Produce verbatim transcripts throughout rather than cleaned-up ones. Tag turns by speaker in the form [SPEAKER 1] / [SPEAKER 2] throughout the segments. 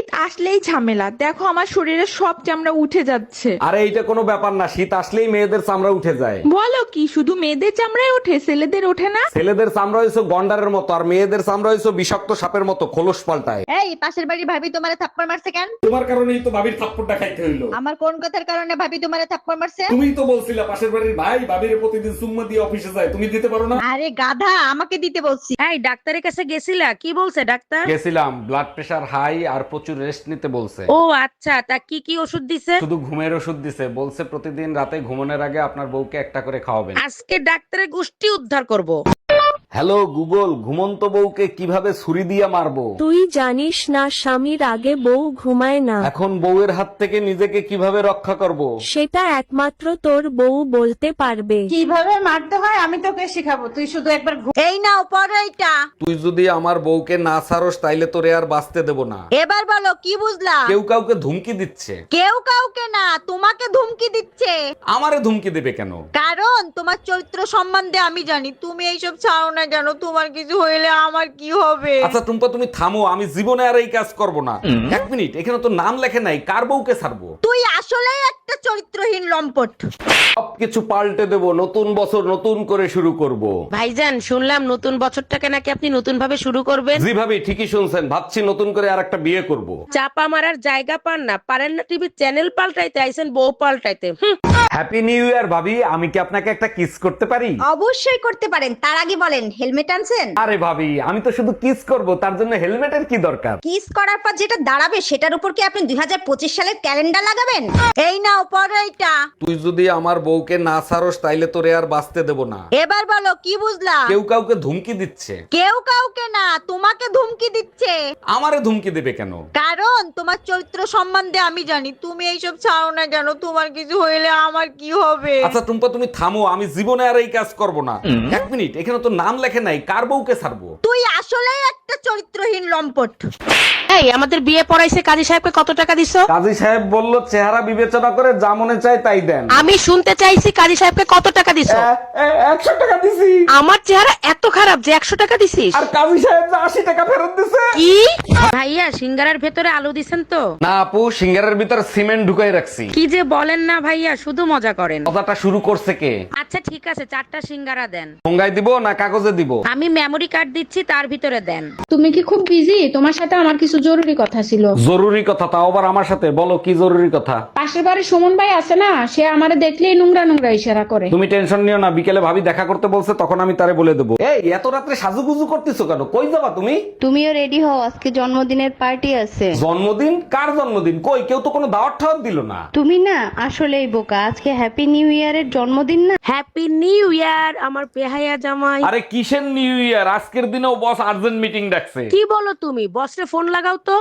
[SPEAKER 1] শীত আসলেই ঝামেলা, দেখো আমার শরীরের সব চামড়া উঠে যাচ্ছে।
[SPEAKER 2] আরে এইটা কোনো ব্যাপার না, শীত আসলেই মেয়েদের চামড়া উঠে যায়।
[SPEAKER 1] বলো কি, শুধু মেয়েদের চামড়ায় ওঠে, ছেলেদের ওঠে না?
[SPEAKER 2] ছেলেদের চামড়া হয়েছে গন্ডারের মতো, আর মেয়েদের চামড়া হয়েছে বিষাক্ত সাপের মতো, খোলস পাল্টায়।
[SPEAKER 3] এই পাশের বাড়ি ভাবি তোমারে থাপ্পড় মারছে কেন?
[SPEAKER 2] তোমার কারণেই তো ভাবির থাপ্পড়টা খাইতে হইলো।
[SPEAKER 3] আমার কোন কথার কারণে ভাবি তোমারে থাপ্পড় মারছে?
[SPEAKER 2] তুমিই তো বলছিলা পাশের বাড়ির ভাই ভাবির প্রতিদিন চুম্মা দিয়ে অফিসে যায়, তুমি দিতে পারো না?
[SPEAKER 3] আরে গাধা, আমাকে দিতে বলছি।
[SPEAKER 4] এই ডাক্তারের কাছে গেছিলা, কি বলছে ডাক্তার?
[SPEAKER 2] গেছিলাম, ব্লাড প্রেশার হাই আর প্রচুর রেস্ট নিতে বলছে।
[SPEAKER 4] ও আচ্ছা, তা কি কি ওষুধ দিছে?
[SPEAKER 2] শুধু ঘুমের ওষুধ দিছে, বলছে প্রতিদিন রাতে ঘুমানোর আগে আপনার বউকে একটা করে খাওয়াবেন।
[SPEAKER 4] আজকে ডাক্তারের গোষ্ঠী উদ্ধার করব।
[SPEAKER 2] হ্যালো গুগল, ঘুমন্ত বউকে কিভাবে ছুরি দিয়ে মারবো?
[SPEAKER 5] তুই জানিস না স্বামীর আগে বউ ঘুমায় না?
[SPEAKER 2] এখন বউয়ের হাত থেকে নিজেকে কিভাবে রক্ষা করব?
[SPEAKER 5] সেটা একমাত্র তোর বউ বলতে পারবে।
[SPEAKER 6] কিভাবে মারতে হয় আমি তোকে শেখাবো, তুই শুধু একবার ঘু-
[SPEAKER 3] এই নাও পড়ো এইটা।
[SPEAKER 2] তুই যদি আমার বউকে না ছাড়স তাইলে তোরে আর বাঁচতে দেব না।
[SPEAKER 3] এবার বলো কি বুঝলা?
[SPEAKER 2] কেউ কাউকে ধুমকি দিচ্ছে।
[SPEAKER 3] কেউ কাউকে না, তোমাকে ধুমকি দিচ্ছে।
[SPEAKER 2] আমারে ধুমকি দেবে কেন?
[SPEAKER 3] কারণ তোমার চরিত্র সম্বন্ধে আমি জানি। তুমি এইসব ছাড়ো না কেন? তোমার কিছু হইলে আমার কি হবে?
[SPEAKER 2] আচ্ছা টুম্পা, তুমি থামো, আমি জীবনে আর এই কাজ করব না। এক মিনিট, এখানে তো নাম লেখে নাই, কার বউকে ছাড়বো?
[SPEAKER 3] তুই আসলেই একটা চরিত্রহীন লম্পট।
[SPEAKER 2] সবকিছু পাল্টে দেব, নতুন বছর নতুন করে শুরু করব।
[SPEAKER 4] ভাইজান, শুনলাম নতুন বছরটাকে নাকি আপনি নতুন ভাবে শুরু করবেন।
[SPEAKER 2] জি ভাবি, ঠিকই শুনছেন, ভাবছি নতুন করে আর একটা বিয়ে করব।
[SPEAKER 4] চাপা মারার জায়গা পান না, পারেন না টিভির চ্যানেল পাল্টাইতে, আইছেন বউ পাল্টাইতে। হুম।
[SPEAKER 2] হ্যাপি নিউ ইয়ার ভাবি, আমি কি আপনাকে একটা কিস করতে পারি?
[SPEAKER 3] অবশ্যই করতে পারেন, তার আগে বলেন হেলমেট আনছেন?
[SPEAKER 2] আরে ভাবি, আমি তো শুধু কিস করব, তার জন্য হেলমেটের কি দরকার?
[SPEAKER 3] কিস করার পর যেটা দাঁড়াবে সেটার উপর কি আপনি দুই হাজার পঁচিশ সালের ক্যালেন্ডার লাগাবেন? এই নাও পড়ো এইটা।
[SPEAKER 2] তুই যদি আমার বউকে না ছাড়স তাইলে তোরে আর বাঁচতে দেব না।
[SPEAKER 3] এবার বলো কি বুঝলা?
[SPEAKER 2] কেউ কাউকে ধুমকি দিচ্ছে।
[SPEAKER 3] কেউ কাউকে না, তোমাকে ধুমকি দিচ্ছে।
[SPEAKER 2] আমারে ধুমকি দেবে কেন?
[SPEAKER 3] কারণ তোমার চরিত্র সম্বন্ধে আমি জানি। তুমি এইসব ছাড়ো না কেন? তোমার কিছু হইলে আমার কি হবে?
[SPEAKER 2] আচ্ছা টুম্পা, তুমি থামো, আমি জীবনে আর এই কাজ করব না। এক মিনিট, এখানে তো নাম লেখে নাই, কার বউকে ছাড়বো?
[SPEAKER 3] তুই আসলেই একটা চরিত্রহীন লম্পট।
[SPEAKER 4] এই আমাদের বিয়ে পড়াইছে, কাজী সাহেবকে কত টাকা দিছো?
[SPEAKER 2] কাজী সাহেব বলল চেহারা বিবেচনা করে যা মনে চায় তাই দেন।
[SPEAKER 4] আমি শুনতে চাইছি কাজী সাহেবকে কত টাকা দিছো?
[SPEAKER 2] একশো টাকা দিছি।
[SPEAKER 4] আমার চেহারা এত খারাপ যে একশো টাকা দিছিস?
[SPEAKER 2] আর কাজী সাহেব যে আশি টাকা ফেরত দিছে।
[SPEAKER 4] কি? ভাইয়া, সিঙ্গারার ভেতরে আলু দিছেন তো?
[SPEAKER 2] না আপু, সিঙ্গারের ভিতর সিমেন্ট ঢুকাই রাখছি।
[SPEAKER 4] কি যে বলেন না ভাইয়া, শুধু মজা করেন।
[SPEAKER 2] কথাটা শুরু করছে কে?
[SPEAKER 4] আচ্ছা ঠিক আছে, চারটা সিঙ্গারা দেন।
[SPEAKER 2] ঠোঙ্গায় দিব না কাগজে দিব?
[SPEAKER 4] আমি মেমরি কার্ড দিচ্ছি, তার ভিতরে দেন।
[SPEAKER 6] তুমি কি খুব বিজি? তোমার সাথে আমার কিছু জরুরি কথা ছিল।
[SPEAKER 2] জরুরি কথা? তাও আবার আমার সাথে? বলো কি জরুরি কথা।
[SPEAKER 6] পাশের বাড়ির সুমন ভাই আছে না, সে আমারে দেখলেই নোংরা নোংরা ইশারা করে।
[SPEAKER 2] তুমি টেনশন নিও না, বিকেলে ভাবি দেখা করতে বলছে, তখন আমি তারে বলে দেবো। এই এত রাত্রে সাজুগুজু করতেছো কেন? কই যাবা তুমি?
[SPEAKER 7] তুমিও রেডি হও, আজকে জন্মদিনের পার্টি আছে।
[SPEAKER 2] জন্মদিন? কার জন্মদিন? কই, কেউ তো কোনো দাওয়াত ঠাওয়াত দিল না।
[SPEAKER 7] তুমি না আসলেই বোকা, আজকে হ্যাপি নিউ ইয়ারের জন্মদিন না।
[SPEAKER 4] হ্যাপি নিউ ইয়ার আমার পেহাইয়া জামাই।
[SPEAKER 2] আরে কিসের নিউ ইয়ার? আজকের দিনেও বস আর্জেন্ট মিটিং ডাকছে।
[SPEAKER 4] কি বলো তুমি? বসরে ফোন লাগাও তো।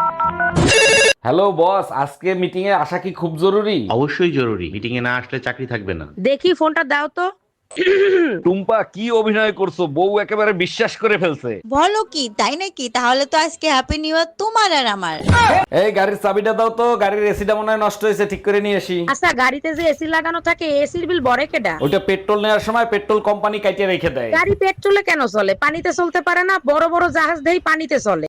[SPEAKER 2] হ্যালো বস, আজকে মিটিং এ আসা কি খুব জরুরি?
[SPEAKER 8] অবশ্যই জরুরি, মিটিং এ না আসলে চাকরি থাকবে না।
[SPEAKER 4] দেখি ফোনটা দাও তো।
[SPEAKER 2] টুম্পা, কি অভিনয় করছো? বউ একেবারে বিশ্বাস করে ফেলছে।
[SPEAKER 3] বলো কি, তাই নাকি? তাহলে তো আজকে হ্যাপি নিউ ইয়ার তোমার আর আমার।
[SPEAKER 2] এই গাড়ির চাবিটা দাও তো, গাড়ির এসিটা মনে হয় নষ্ট হয়েছে, ঠিক করে নিয়ে আসি।
[SPEAKER 4] আচ্ছা, গাড়িতে যে এসি লাগানো থাকে, এসির বিল বড় কেডা?
[SPEAKER 2] ওইটা পেট্রোল নেওয়ার সময় পেট্রোল কোম্পানি কাটিয়ে রেখে দেয়।
[SPEAKER 4] গাড়ি পেট্রোলে কেন চলে? পানিতে চলতে পারে না? বড় বড় জাহাজ দেই পানিতে চলে।